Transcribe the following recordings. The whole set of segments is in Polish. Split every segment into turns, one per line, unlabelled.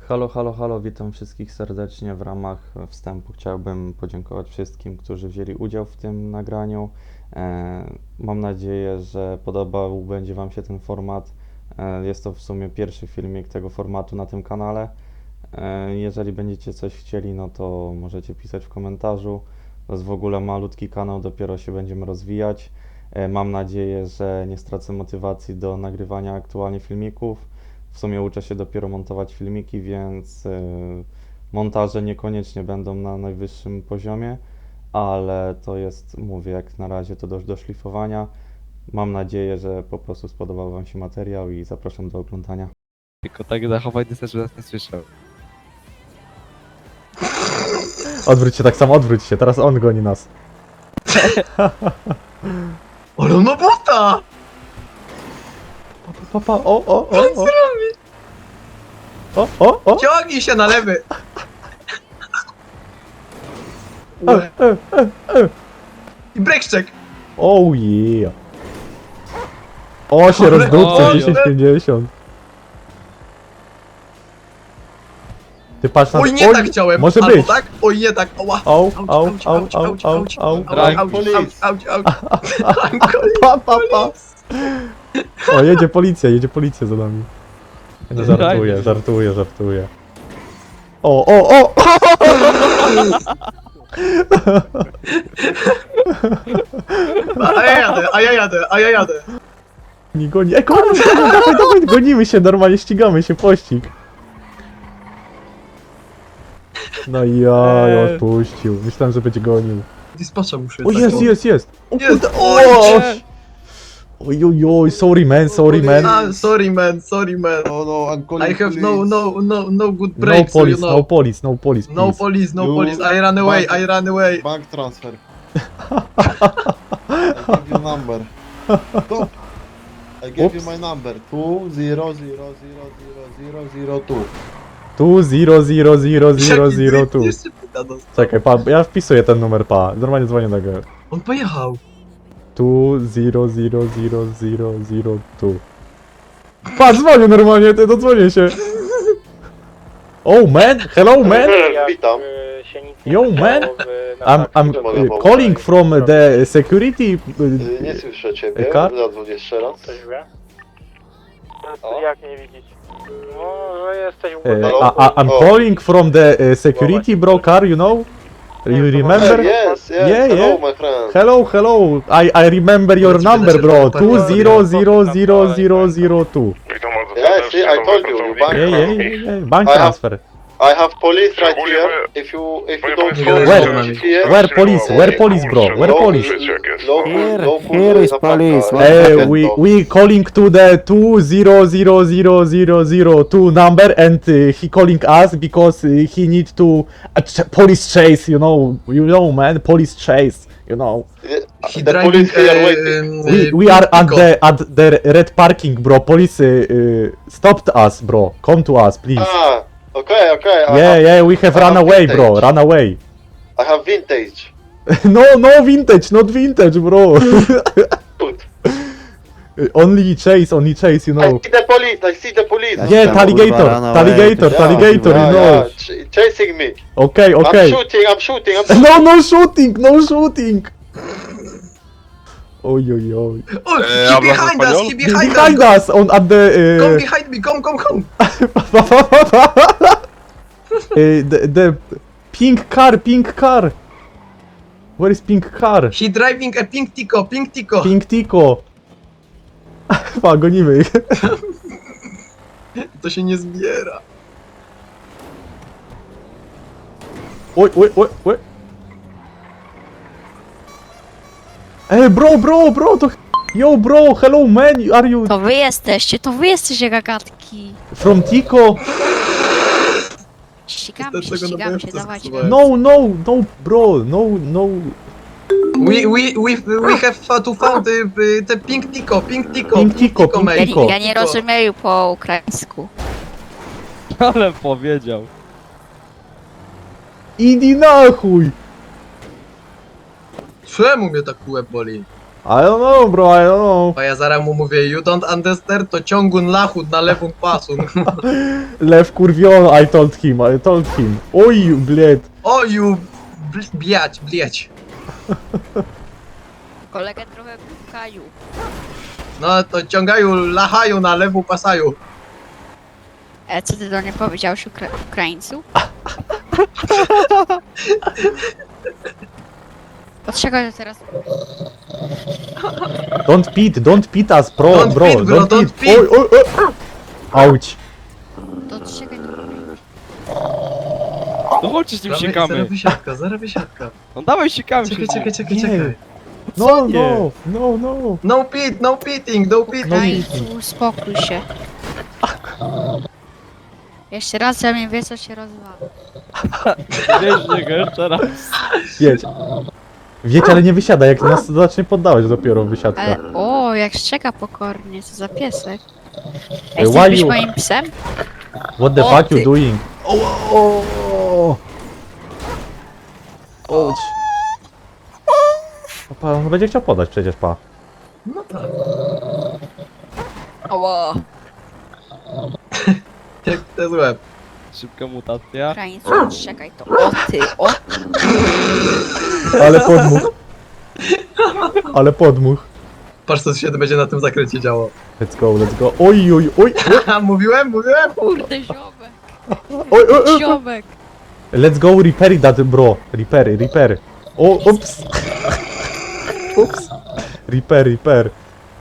Halo, halo, halo, witam wszystkich serdecznie. W ramach wstępu chciałbym podziękować wszystkim, którzy wzięli udział w tym nagraniu. Mam nadzieję, że podobał będzie Wam się ten format. Jest to w sumie pierwszy filmik tego formatu na tym kanale. Jeżeli będziecie coś chcieli, no to możecie pisać w komentarzu. To jest w ogóle malutki kanał, dopiero się będziemy rozwijać. Mam nadzieję, że nie stracę motywacji do nagrywania aktualnie filmików. W sumie uczę się dopiero montować filmiki, więc montaże niekoniecznie będą na najwyższym poziomie, ale to jest, mówię, jak na razie to do szlifowania. Mam nadzieję, że po prostu spodobał Wam się materiał i zapraszam do oglądania.
Tylko tak zachowań też, że nas nie słyszał.
Odwróć się tak samo, odwróć się, teraz on goni nas.
Ale on ma buta!
Papa, o.
Ciągnij się na lewy! I brekszczek!
Oh yeah. O, się rozdupcy,
Oj,
10,50. Ty patrz na...
Oj, nie tak chciałem!
Może
Albo
być.
tak? Oj, nie tak! Ała!
Au,
Auć,
au,
auć,
au,
auć,
au,
auć,
au,
auć,
au.
auć,
Rank
auć, auć, auć, auć.
Pa. O, jedzie policja za nami. No, żartuję. O!
A ja jadę!
Nie goni. Dawaj, gonimy się, normalnie ścigamy się, pościg. No ja odpuścił. Myślałem, że będzie gonił.
Dispatcha muszę.
O, jest! O
Jest!
kurde,
Oj,
Oj, sorry man.
sorry man.
No, I'm calling
I have
police.
no good
No
brakes, so you
police,
know.
no police, please.
No police, I ran away.
Bank transfer. I give you number. Stop. I gave you
Oops.
my number. 2000002.
2000002.
Jeszcze pyta dostał.
Czekaj, ja wpisuję ten numer, Normalnie dzwonię do go.
On pojechał.
2000002. Dzwonię normalnie, dodzwonię się. Oh man, hello man.
Witam.
Yo man, I'm calling from the security.
Nie słyszę ciebie.
Car?
Zadzwoń jeszcze raz.
Jak nie widzieć? No, że jesteś w
I'm calling from the security bro car, you know? You remember?
Yes.
Yeah.
Hello, my friend.
Hello. I remember your number, bro. 2000002.
Yes, I told you. Bank transfer.
Yeah. Bank
I have-
transfer.
I have police right here. If you don't know
Where police, bro? Where police?
Here is police.
We calling to the 2000002 number and he calling us because he need to police chase, you know man, police chase, you know.
He
The
driving
police here waiting.
We are at the red parking, bro. Police stopped us, bro. Come to us, please.
Okay.
Yeah, we have
I
run
have
away, bro.
vintage.
Run away.
I have vintage.
No vintage, not vintage, bro.
Good.
only chase, you
I
know.
see the police.
Yeah, alligator, you know.
Chasing me.
Okay.
I'm shooting.
No shooting. Oj.
Oh, he behind
Behind
us.
us, on at the.
Come behind me, come.
The pink car. Where is pink car?
He driving a pink Tico.
Pink Tico. Gonimy ich.
To się nie zbiera.
Oj. Ej, bro, to... Yo, bro, hello man, are you
To wy jesteście gagatki.
from Tico?
Ścigamy się,
Dlatego na pewno
dawajcie.
zasuwałem.
No, bro, no.
We have to found the pink Tico, mate.
Ja nie rozumiem po ukraińsku.
Ale powiedział.
Idi na chuj.
Czemu mnie tak łeb boli?
I don't know, bro, I don't know.
A ja zaraz mu mówię, you don't understand, to ciągun lachut na lewą pasun.
Lew kurwiony, I told him. Oj, bled.
O, you... Bliać.
Kolegę trochę kaju.
No to ciągają, lachają na lewą pasaju.
Co ty do mnie powiedziałeś Ukraińcu? Dlaczego to teraz...
Don't pit us, bro,
Don't
bro.
pit, bro, don't pit.
Oj, oj, oj. Auć.
To czekaj, to...
No chodźcie z nim sikamy.
Zaraz wysiadka.
No dawaj sikamy się.
Czekaj.
No,
nie?
no.
No pitting.
Ukraińcu, uspokój się. Jeszcze raz ze mnie wie, co się rozwala.
Wiesz niego jeszcze raz.
Jedź. Wiecie, ale nie wysiada, jak nas zacznie poddałeś dopiero wysiadka.
Ale, o, jak szczeka pokornie, co za piesek.
Ej,
Ej,
why
chcesz być
you-
moim psem?
What the
O,
fuck you
ty.
doing? Ouch. Pa, on będzie chciał podać przecież, pa.
No tak.
Oło.
Jak to jest łeb.
Szybka mutacja.
Ukraińcu, czekaj to. O ty, o
Ale podmuch.
Patrz co się będzie na tym zakręcie działo.
Let's go. Oj.
Haha, mówiłem.
kurde, ziomek.
Oj.
Ziomek.
Let's go repair that, bro. Repair. O, ups. Repair.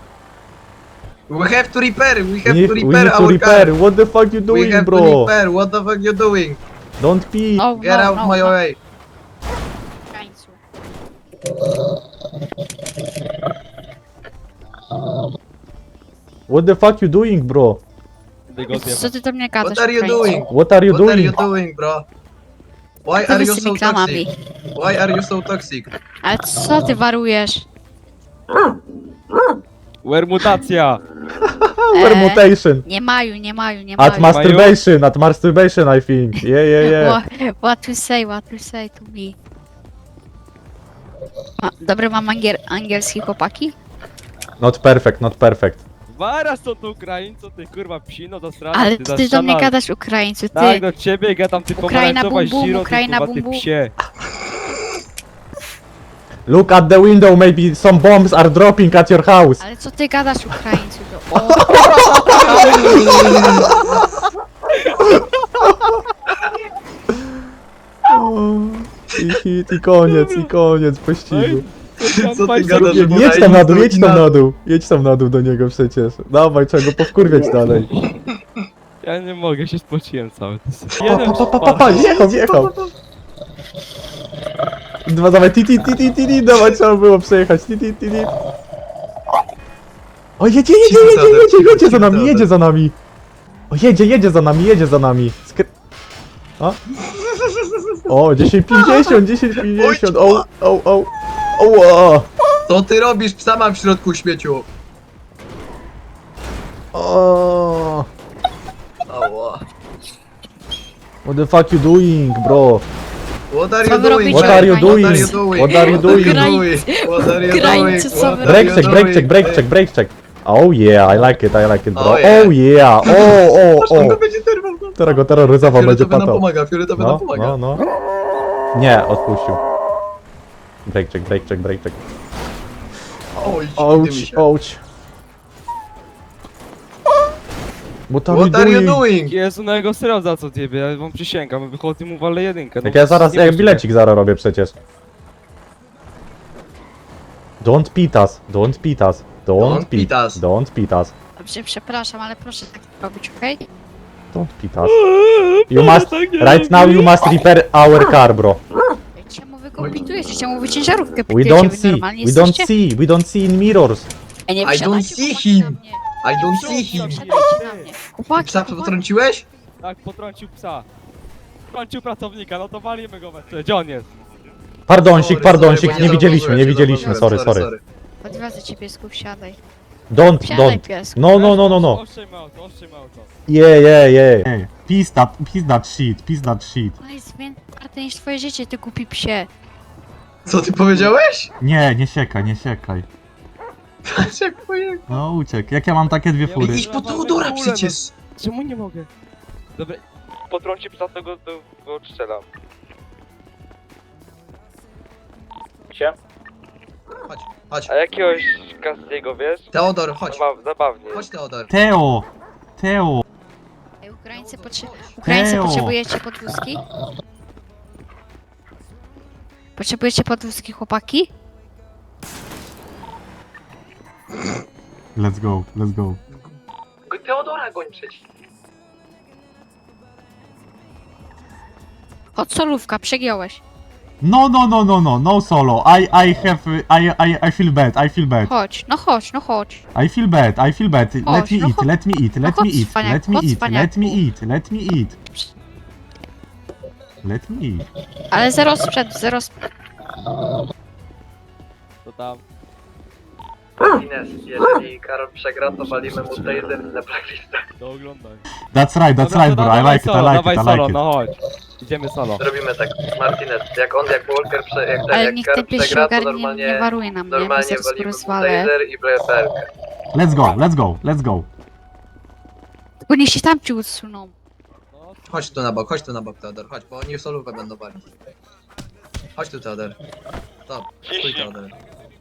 We have to repair,
We need to
our
repair.
car.
What the fuck you
We
doing,
have to
bro?
repair, what the fuck you doing?
Don't pee.
No,
Get out my way.
Ukraińcu.
What the fuck you doing, bro?
Co ty do mnie gadasz,
What are you
Ukraińcu?
doing?
What are you
What are you
doing?
doing, bro? Why
Co
are
ty
you
z
so
tymi klamami?
toxic? Why are you so toxic?
Ale co ty warujesz?
Where mutacja?
Permutation.
Nie maju.
At masturbation, I think. Yeah.
What to say to me? Dobry mam angielski chłopaki?
Not perfect.
Zaraz to tu Ukraińco, ty kurwa psino do strony.
Ale ty do mnie gadasz Ukraińcu,
Tak,
ty.
do ciebie gadam, ty
Ukraina
pomarańczowa
bum bum,
ziro, ty
Ukraina
kurwa, ty
bum bum.
psie.
Look at the window, maybe some bombs are dropping at your house.
Ale co ty gadasz Ukraińcu? O,
I hit, i koniec pościgu.
Co ty gadasz?
Jedź tam na dół do niego przecież. Dawaj, trzeba go powkurwiać dalej.
Ja nie mogę, się spociłem cały.
Pa, jechał. Dwa, dawaj, ti, dawaj, trzeba było przejechać, ti. O, jedzie za nami. O, jedzie za nami. O, 10,50. O.
Co ty robisz? Psa mam w środku śmieciu.
O.
Ała.
What the fuck you doing, bro?
What are
Co
you
wy
doing?
robicie?
What are you
What
doing?
are you doing?
What are you doing?
What are you
Ukraińcy,
doing?
co
What
wy
are you
Brake
doing?
check. Oh yeah, I like it, bro.
Oh yeah.
Oh yeah.
On go będzie terwał.
Teraz go terroryzował, będzie
Fioletowy nam
patał.
pomaga, fioletowy nam pomaga.
No. Nie, odpuścił. Brake check.
Oj, dymi się.
Ouch. What
What are you doing?
Jezu, na jego serio za co ciebie, ja wam przysięgam, wychodzę mu walę jedynkę.
Jak ja zaraz,
nie
jak
możliwe.
bilecik zaraz robię przecież. Don't pit us.
Don't pit us.
Dobrze, przepraszam, ale proszę tak robić, okej?
Don't pit us. You must, right now you must repair our car, bro.
Czemu wy go pitujecie? Czemu wy ciężarówkę
We
pitujecie?
don't
Wy
see,
normalnie
we don't
jesteście?
see, we don't see in mirrors.
Ej, nie
I don't
wsiadajcie,
see
chłopaki,
him.
na mnie.
I don't see him.
Wsiadajcie na mnie. Chłopaki,
Psa potrąciłeś?
Tak, potrącił psa. Potrącił pracownika, no to walimy go we gdzie on jest?
Pardoncik,
Sorry, bo
nie widzieliśmy, sorry.
Odwiozę cię, piesku, wsiadaj.
Don't,
Wsiadaj, piesku.
No.
Oszczędźmy auto.
Yeah. Peace that shit.
On jest więcej warte niż twoje życie, ty głupi psie.
Co ty powiedziałeś?
Nie siekaj.
Patrz jak pojechał.
No uciekł. Jak ja mam takie dwie fury?
Idź po Teodora przecież.
Czemu nie mogę? Dobra, potrąci psa, to go strzelam.
Gdzie?
Chodź, chodź.
A jakiegoś Castiego, wiesz?
Teodor, chodź.
Zabawnie.
Chodź Teodor.
Teo! Teo!
Ej, Ukraińcy
Teo.
potrzebujecie podwózki? Potrzebujecie podwózki, chłopaki?
Let's go, let's go.
Teodora goń przecież.
Chodź, solówka, przegiąłeś.
No, no solo. I feel bad.
Chodź, no chodź, no chodź.
I feel bad. Let
Chodź,
me
no
eat,
chodź.
let me eat,
No
let
chodź,
me eat,
cwaniak,
let me
chodź,
eat, let me
cwaniaku.
eat, let me eat. Let me eat.
Ale zero sprzęt, zero sprzęt.
To tam.
Ines, jeżeli Karol przegra, to walimy mu taser na blacklistę.
To oglądaj.
That's right, bro. I like it,
Dawaj
I
solo,
like it.
no chodź. Idziemy solo.
Robimy tak, Martinez, jak Walker
Ale
jak
niech
Karol
ten pies się
przegra, to
ogarnie, nie
normalnie
waruje na mnie, bo
normalnie
zaraz go
walimy mu
rozwalę.
taser i BFR.
Let's go.
Tylko niech się tam ci odsuną.
No,
Chodź tu na bok Teodor, chodź, bo oni w solówę będą walić. Chodź tu Teodor. Stop, stój Teodor.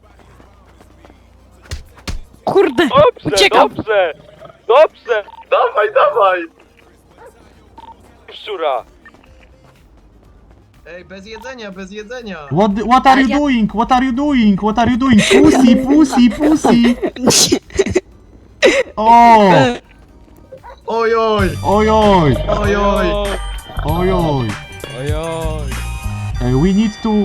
Kurde!
Dobrze,
Uciekam.
dobrze!
Dawaj!
Szczura!
Ej, bez jedzenia!
What are you doing? What are you doing? Pussy. Oh,
Ojoj!
ojoj.
Ojoj!
We need to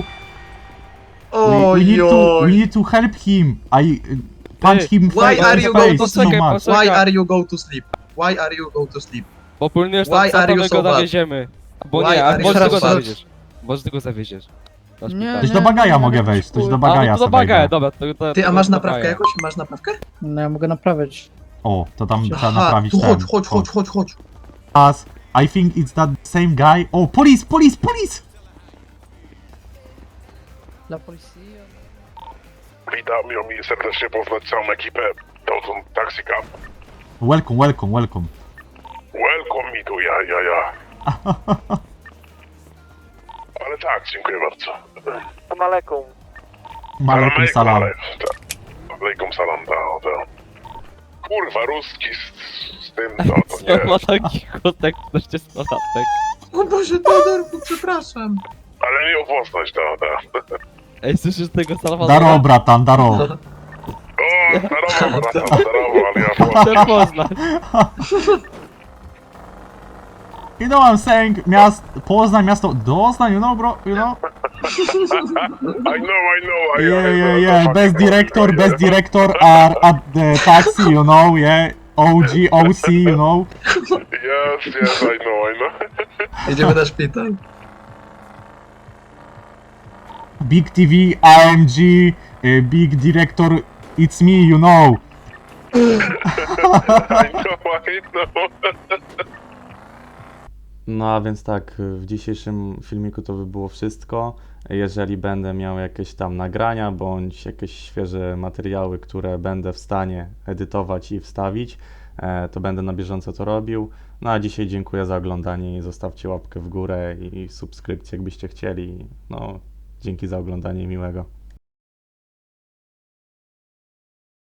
Ojoj!
need to help him. I punch him
Why
in
are
the
you
face
going to
so
sleep?
much.
Why are you go to sleep? Why are you go to sleep?
Bo płyniesz
Why
tam psa,
are
to
you
my
so
go
bad?
zawieziemy. Bo
Why
nie, a
are you
może
so
ty go
bad?
zawieziesz. Może ty go zawieziesz.
Nie,
Coś do bagaja mogę wejść, coś do
A,
bagaja
no to do
sobie
bagaja,
wejdę.
dobra.
Ty, a masz naprawkę jakąś? Masz naprawkę?
No ja mogę naprawić.
O, to tam trzeba
Aha,
naprawić
tu
ten.
chodź.
As, I think it's that same guy. Oh, police!
Dla policji.
Witam, miło mi serdecznie poznać całą ekipę Dawson Taxi Cab.
Welcome.
Welcome me tu, ja. Ale tak, dziękuję bardzo.
Maleką.
Malekum salam.
Alejkum salam, ta. Kurwa, ruski z tym, to
Co
nie.
ma taki kotek 40-latek?
O Boże, Teodor, przepraszam.
Ale miło poznać, ta.
Ej, słyszysz tego Salwadora?
Daro, bratan, daro.
O, zdarowo, brata, zdarowo, ale ja
Chcę poznać.
You know what I'm saying? Poznań, miasto Doznań, you know, bro, you know?
I know.
Yeah. Best director are at the taxi, you know, yeah. OC, you know.
Yes, I know.
Jedziemy na szpital.
Big TV, AMG, big director, it's me, you know.
I know.
No a więc tak, w dzisiejszym filmiku to by było wszystko. Jeżeli będę miał jakieś tam nagrania bądź jakieś świeże materiały, które będę w stanie edytować i wstawić, to będę na bieżąco to robił. No a dzisiaj dziękuję za oglądanie i zostawcie łapkę w górę i subskrypcję, jakbyście chcieli. No, dzięki za oglądanie i miłego.